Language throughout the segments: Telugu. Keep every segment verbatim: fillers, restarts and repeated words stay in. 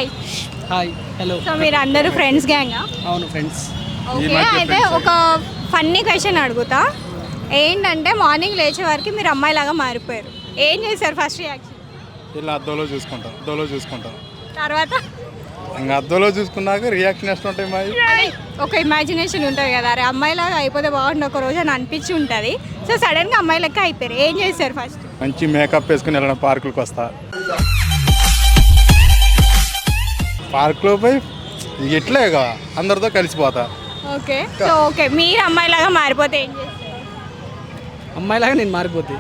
హాయ్ హాయ్ హలో సో మీరు అందరూ ఫ్రెండ్స్ గ్యాంగా? అవును ఫ్రెండ్స్. ఓకే, అయితే ఒక ఫన్నీ క్వశ్చన్ అడుగుతా. ఏంటంటే మార్నింగ్ లేచే వరకు మీరు అమ్మాయిలాగా మారిపోయారు, ఏం చేశారు? First reaction? ఇలా అద్దంలో చూసుకుంటాం అద్దంలో చూసుకుంటాం తర్వాత ఇంకా అద్దంలో చూసుకున్నాక రియాక్షన్ ఎట్లుంటాయి మాది. అదే ఒక ఇమాజినేషన్ ఉంటుంది కదా, అరే అమ్మాయిలాగా అయిపోతే బాగుండు ఒక రోజు అని అనిపించి ఉంటుంది. సో సడన్గా అమ్మాయి లెక్క అయిపోయారు, ఏం చేశారు ఫస్ట్? మంచి మేకప్ వేసుకుని వెళ్ళడం పార్కులకు వస్తా, పార్కులో పోయి ఎట్లేగా అందరితో కలిసిపోతా. ఓకే, సో ఓకే మీరు అమ్మాయిలాగా మారిపోతే ఏం చేస్తారు? అమ్మాయిలాగా నేను మారిపోతే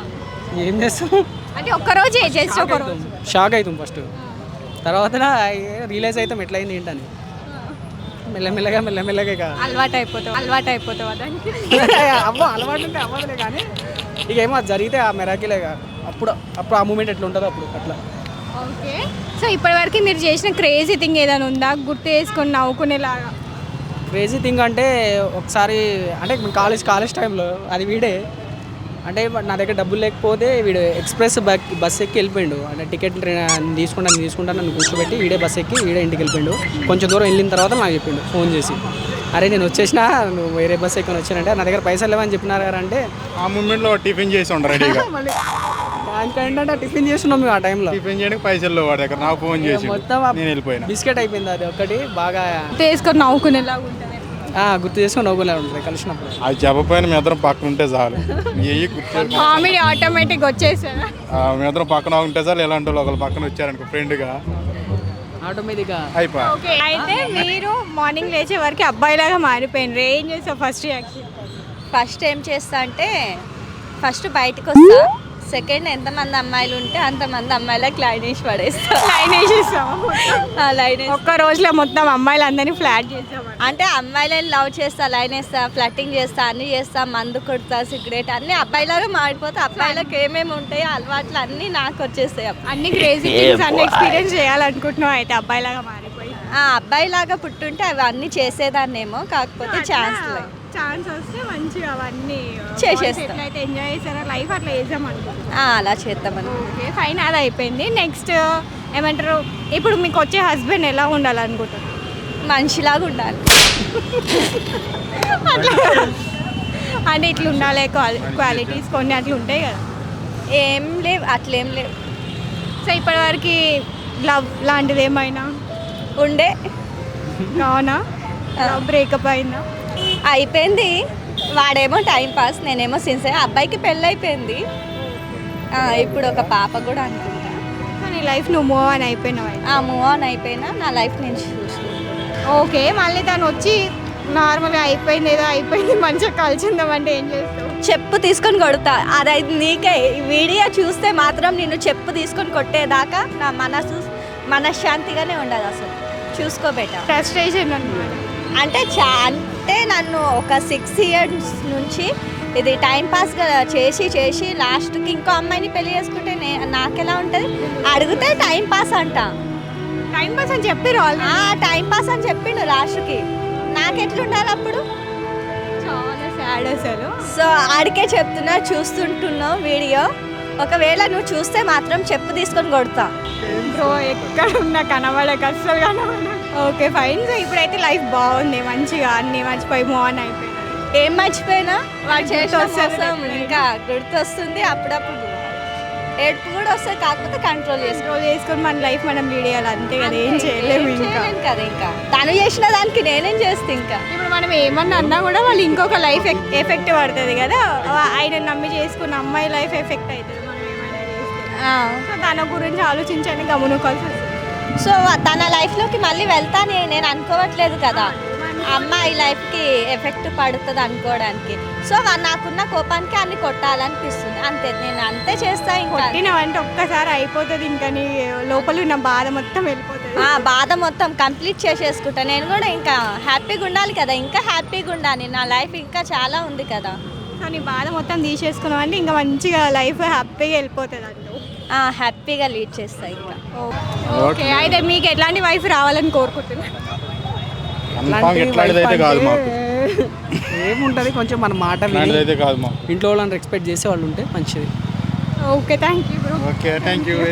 ఏం చేస్తాం అంటే ఒక్కరోజు ఏం చేస్తే ఒక రోజు షాక్ అవుతాం ఫస్ట్, తర్వాత రియలైజ్ అవుతాం ఎట్లయింది ఏంటని. మెల్లమెల్లగా మెల్లమెల్లగా ఇక అలవాటు అయిపోతావు అలవాటు అయిపోతావు దానికి. అవ్వ అలవాటు ఉంటే అవ్వదులే, కానీ ఇక ఏమో అది జరిగితే ఆ మెరాకిలేగా అప్పుడు అప్పుడు ఆ మూమెంట్ ఎట్లా ఉంటుందో అప్పుడు అట్లా. ఓకే, సో ఇప్పటివరకు మీరు చేసిన క్రేజీ థింగ్ ఏదైనా ఉందా గుర్తు చేసుకొని నవ్వుకునేలాగా? క్రేజీ థింగ్ అంటే ఒకసారి అంటే కాలేజ్ కాలేజ్ టైంలో అది వీడే, అంటే నా దగ్గర డబ్బులు లేకపోతే వీడు ఎక్స్ప్రెస్ బస్ బస్ ఎక్కి వెళ్ళిపోయిండు. అంటే టికెట్ తీసుకుంటాను తీసుకుంటాను నన్ను కూర్చోబెట్టి వీడే బస్ ఎక్కి వీడే ఇంటికి వెళ్ళిపోయిండు. కొంచెం దూరం వెళ్ళిన తర్వాత నాకు చెప్పిండు ఫోన్ చేసి, అరే నేను వచ్చేసిన నువ్వు వేరే బస్ ఎక్కి వచ్చానంటే నా దగ్గర పైసలు లేవని చెప్పినారు కదా అంటే ఆ మూమెంట్లో టిఫిన్ చేసి ఉండరు రెడీగా. దానికి ఏంటంటే టిఫిన్ చేస్తున్నాం మేము ఆ టైంలో. టిఫిన్ చేయడానికి పైసలు వాడి దగ్గర నాకు ఫోన్ చేసి మొత్తం నేను వెళ్ళిపోయినా. బిస్కెట్ అయిపోయింది అది ఒకటి బాగా గుర్తు చేసుకొని నవ్వుకునేలాగా ఉంటుంది. గుర్తు చేసుకొని నవ్వులే ఉంటుంది కలిసినప్పుడు. అది చెప్పపోయిన మీ ఇద్దరం పక్కన ఉంటే చాలు, ఏ గుర్తు కామెడీ ఆటోమేటిక్ వచ్చేసారా? మీ ఇద్దరం పక్కన ఉంటే చాలు. ఎలాంటి వాళ్ళు ఒకళ్ళు పక్కన వచ్చారనుకో ఫ్రెండ్గా ఆటోమేటిక్గా అయిపోయి. ఓకే, అయితే మీరు మార్నింగ్ లేచే వరకు అబ్బాయిలాగా మారిపోయినారు, ఏం చేస్తావు ఫస్ట్ రియాక్షన్? ఫస్ట్ ఏం చేస్తా అంటే ఫస్ట్ బయటకు వస్తా, సెకండ్ ఎంతమంది అమ్మాయిలు ఉంటే అంతమంది అమ్మాయిలకు లైన్ వేసి పడేస్తా. లైన్ వేసేస్తాము, లైన్ వేసి ఒక్క రోజులో మొత్తం అమ్మాయిలందరినీ ఫ్లాట్ చేస్తాము. అంటే అమ్మాయిలను లవ్ చేస్తా, లైన్ వేస్తా, ఫ్లట్టింగ్ చేస్తా, అన్నీ చేస్తా, మందు కొడతా, సిగరెట్ అన్నీ అబ్బాయిలాగా మారిపోతా. అబ్బాయిలకు ఏమేమి ఉంటాయో అలవాట్లు అన్నీ నాకు వచ్చేస్తాయి. అన్ని క్రేజీ థింగ్స్ అన్ని ఎక్స్పీరియన్స్ చేయాలనుకుంటున్నావు అయితే అబ్బాయిలాగా మారిపోయి? ఆ అబ్బాయిలాగా పుట్టుంటే అవి అన్నీ చేసేదాన్నేమో, కాకపోతే ఛాన్స్ లేదు. ఛాన్స్ వస్తే మంచిగా అవన్నీ చేసేస్తా. ఎట్లయితే ఎంజాయ్ చేస్తారో లైఫ్ అట్లా చేద్దాం అనుకుంటున్నాను. ఆ, అలా చేద్దామని. ఓకే ఫైన్, అది అయిపోయింది. నెక్స్ట్ ఏమంటారు, ఇప్పుడు మీకు వచ్చే హస్బెండ్ ఎలా ఉండాలనుకుంటున్నారు? మనిషిలాగా ఉండాలి. అంటే ఇట్లా ఉండాలి, క్వాలిటీస్ కొన్ని అట్లా ఉంటాయి కదా. ఏం లేవు, అట్లేం లేవు. సో ఇప్పటివరకు లవ్ లాంటిది ఏమైనా ఉండే అవునా? బ్రేకప్ అయిందా? అయిపోయింది. వాడేమో టైం పాస్, నేనేమో సిన్సియర్. అబ్బాయికి పెళ్ళి అయిపోయింది, ఇప్పుడు ఒక పాప కూడా అనుకుంటా. నీ లైఫ్ నువ్వు మూవ్ ఆన్ అయిపోయినావు అయితే. ఆ మూవ్ ఆన్ అయిపోయినా నా లైఫ్ నేను చూసుకుంటాను. ఓకే, మళ్ళీ తను వచ్చి నార్మల్గా అయిపోయింది ఏదో అయిపోయింది మంచిగా కలిసిందామంటే ఏం చేస్తావు? చెప్పు తీసుకొని కొడతా. అదైతే నీకే ఈ వీడియో చూస్తే మాత్రం నేను చెప్పు తీసుకొని కొట్టేదాకా నా మనసు మనశ్శాంతిగానే ఉండదు అసలు. చూసుకోబెట్ట ఫ్రస్ట్రేషన్ అనమాట. అంటే చా అంటే నన్ను ఒక సిక్స్ ఇయర్స్ నుంచి ఇది టైం పాస్గా చేసి చేసి లాస్ట్కి ఇంకో అమ్మాయిని పెళ్లి చేసుకుంటే నే నాకెలా ఉంటుంది? అడిగితే టైం పాస్ అంట. టైం పాస్ అని చెప్పిరు వాళ్ళు. టైం పాస్ అని చెప్పిండు లాస్ట్కి. నాకెట్లుండాలి అప్పుడు? చాలా సాడ్ అసలు. సో ఆడికే చెప్తున్నా, చూస్తుంటున్నావు వీడియో. ఒకవేళ నువ్వు చూస్తే మాత్రం చెప్పు తీసుకొని కొడతా. బ్రో ఎక్కడ ఉన్నా కనబడక అస్సలు కనబడ. ఓకే ఫైన్, సో ఇప్పుడైతే లైఫ్ బాగుంది, మంచిగా అన్ని మర్చిపోయి మూవ్ ఆన్ అయిపోయినా. ఏం మర్చిపోయినా వాడు చేసిన గుర్తొస్తుంది మోసం ఇంకా గుర్తొస్తుంది. అప్పుడప్పుడు ఏడుపు కూడా వస్తుంది, కాకపోతే కంట్రోల్ చేసుకో. రోజు చేసుకొని మన లైఫ్ మనం లీడ్ చేయాలి అంతే కదా, ఏం చేయలేము ఇంకా. కదా ఇంకా తను చేసిన దానికి నేనేం చేస్తే ఇంకా. ఇప్పుడు మనం ఏమన్నా అన్నా కూడా వాళ్ళు ఇంకొక లైఫ్ ఎఫెక్ట్ పడుతుంది కదా, ఆయన నమ్మి చేసుకున్న అమ్మాయి లైఫ్ ఎఫెక్ట్ అవుతుంది మనం ఏమైనా చేస్తే. సో తన గురించి ఆలోచించండి, గమనుకోవాల్సి వస్తుంది. సో తన లైఫ్లోకి మళ్ళీ వెళ్తానే నేను అనుకోవట్లేదు కదా, అమ్మాయి లైఫ్కి ఎఫెక్ట్ పడుతుంది అనుకోవడానికి. సో నాకున్న కోపానికి అన్ని కొట్టాలనిపిస్తుంది అంతే, నేను అంతే చేస్తా. ఇంకా కొట్టినవంటే ఒక్కసారి అయిపోతుంది, ఇంకా నీ లోపల ఉన్న బాధ మొత్తం వెళ్ళిపోతుంది. ఆ బాధ మొత్తం కంప్లీట్ చేసేసుకుంటా. నేను కూడా ఇంకా హ్యాపీగా ఉండాలి కదా, ఇంకా హ్యాపీగా ఉండాలి. నా లైఫ్ ఇంకా చాలా ఉంది కదా. సో నీ బాధ మొత్తం తీసేసుకున్నావు అంటే ఇంకా మంచిగా లైఫ్ హ్యాపీగా వెళ్ళిపోతుంది అంటూ. హ్యాపీగా లీడ్ చేస్తా ఇంకా. ఓకే, అయితే మీకు ఎట్లాంటి వైఫ్ రావాలని కోరుకుంటున్నా? ఎట్లాంటిదైతే కాదు మాకు, ఏముంటుంది కొంచెం మన మాట ఇట్లాంటిదైతే కాదు మాకు. ఇంట్లో వాళ్ళని రెస్పెక్ట్ చేసే వాళ్ళు ఉంటే మంచిది. Okay thank you bro. Okay thank you.